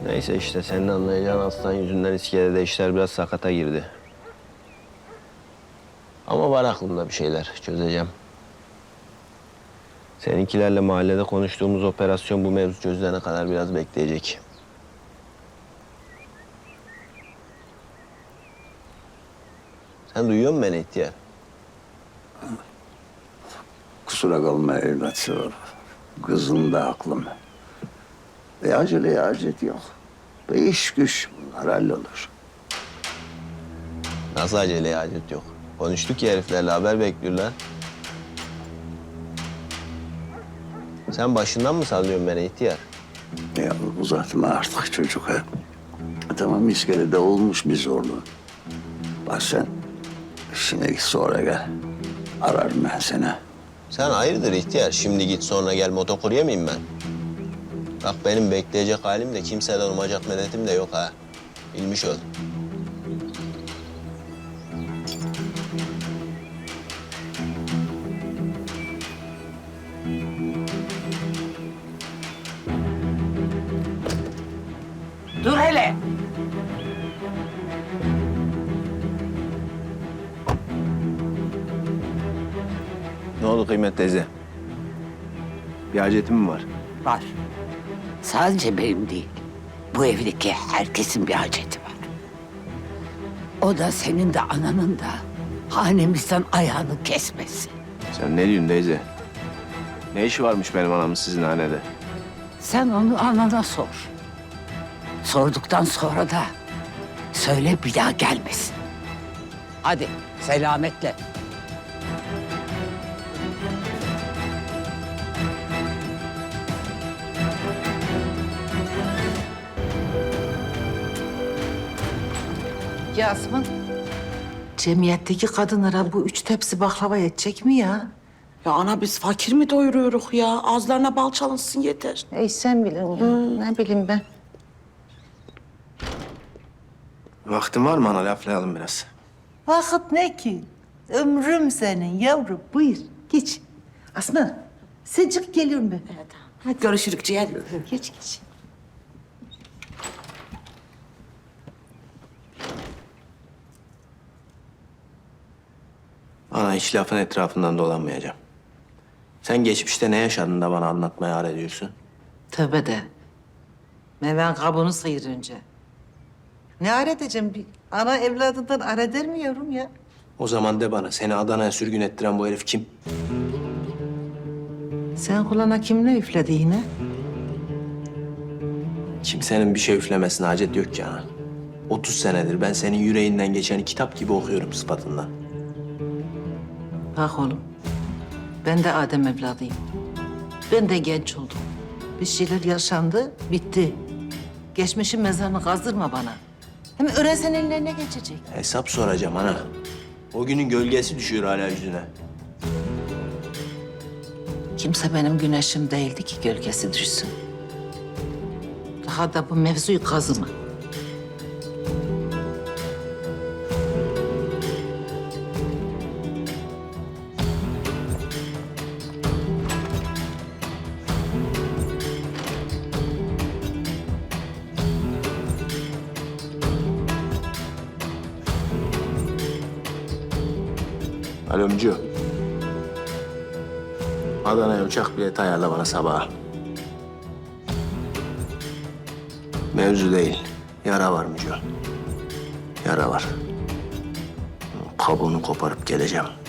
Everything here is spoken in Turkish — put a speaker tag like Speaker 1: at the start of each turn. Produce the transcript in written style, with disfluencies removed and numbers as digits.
Speaker 1: Neyse işte senin anlayacağın aslan yüzünden iskelede işler biraz sakata girdi. Ama var aklımda bir şeyler çözeceğim. Seninkilerle mahallede konuştuğumuz operasyon bu mevzu çözülene kadar biraz bekleyecek. Sen duyuyor musun beni ihtiyar?
Speaker 2: Kusura kalma evlat. Kızın da aklım. Aceleye acet yok. İş güç bunlar hallolur.
Speaker 1: Nasıl aceleye acet yok? Konuştuk ya heriflerle haber bekliyorlar. Sen başından mı sallıyorsun beni ihtiyar?
Speaker 2: Ya uzatma artık çocuk ha. Tamam iskelede olmuş bir zorluğu. Bak sen işine git sonra gel. Ararım ben seni.
Speaker 1: Sen hayırdır ihtiyar? Şimdi git sonra gel motokurye miyim ben? Bak benim bekleyecek halim de kimseden umacak medetim de yok ha. Bilmiş ol.
Speaker 3: Dur hele.
Speaker 1: Ne oldu Kıymet teyze? Bir hacetin mi var?
Speaker 3: Var. Sadece benim değil. Bu evdeki herkesin bir haceti var. O da senin de ananın da hanemizden ayağını kesmesi.
Speaker 1: Sen ne diyorsun teyze? Ne işi varmış benim anamın sizin hanede?
Speaker 3: Sen onu anana sor. Sorduktan sonra da söyle bir daha gelmesin. Hadi selametle.
Speaker 4: Yasmin, cemiyetteki kadınlara bu 3 tepsi baklava yetecek mi ya?
Speaker 5: Ya ana biz fakir mi doyuruyoruz ya? Ağızlarına bal çalınsın yeter.
Speaker 4: Ey sen bilin ya, ne bileyim ben.
Speaker 1: Vaktin var mı ana laflayalım biraz?
Speaker 4: Vakit ne ki? Ömrüm senin yavrum, buyur geç. Asma, sen çık geliyorum ben.
Speaker 5: Hadi görüşürük ciğer.
Speaker 4: Geç geç.
Speaker 1: Ana hiç lafın etrafından dolanmayacağım. Sen geçmişte ne yaşadın da bana anlatmaya ar ediyorsun?
Speaker 4: Tövbe de. Meven kabuğunu sıyır önce. Ne ar edeceğim? Bir ana evladından ar eder mi yavrum ya?
Speaker 1: O zaman de bana seni Adana'ya sürgün ettiren bu herif kim?
Speaker 4: Sen kulağına kim ne üfledi yine?
Speaker 1: Kimsenin bir şey üflemesine hacet yok ki ana. 30 senedir ben senin yüreğinden geçeni kitap gibi okuyorum sıfatından.
Speaker 4: Bak oğlum, ben de Adem evladıyım. Ben de genç oldum. Bir şeyler yaşandı, bitti. Geçmişin mezarını kazdırma bana. Hem öğrensen ellerine geçecek.
Speaker 1: Hesap soracağım ana. O günün gölgesi düşüyor hala yüzüne.
Speaker 4: Kimse benim güneşim değildi ki gölgesi düşsün. Daha da bu mevzuyu kazıma.
Speaker 1: Alomcu. Adana'ya uçak bileti ayarla bana sabaha. Mevzu değil. Yara var Müco. Yara var. Kabuğunu koparıp geleceğim.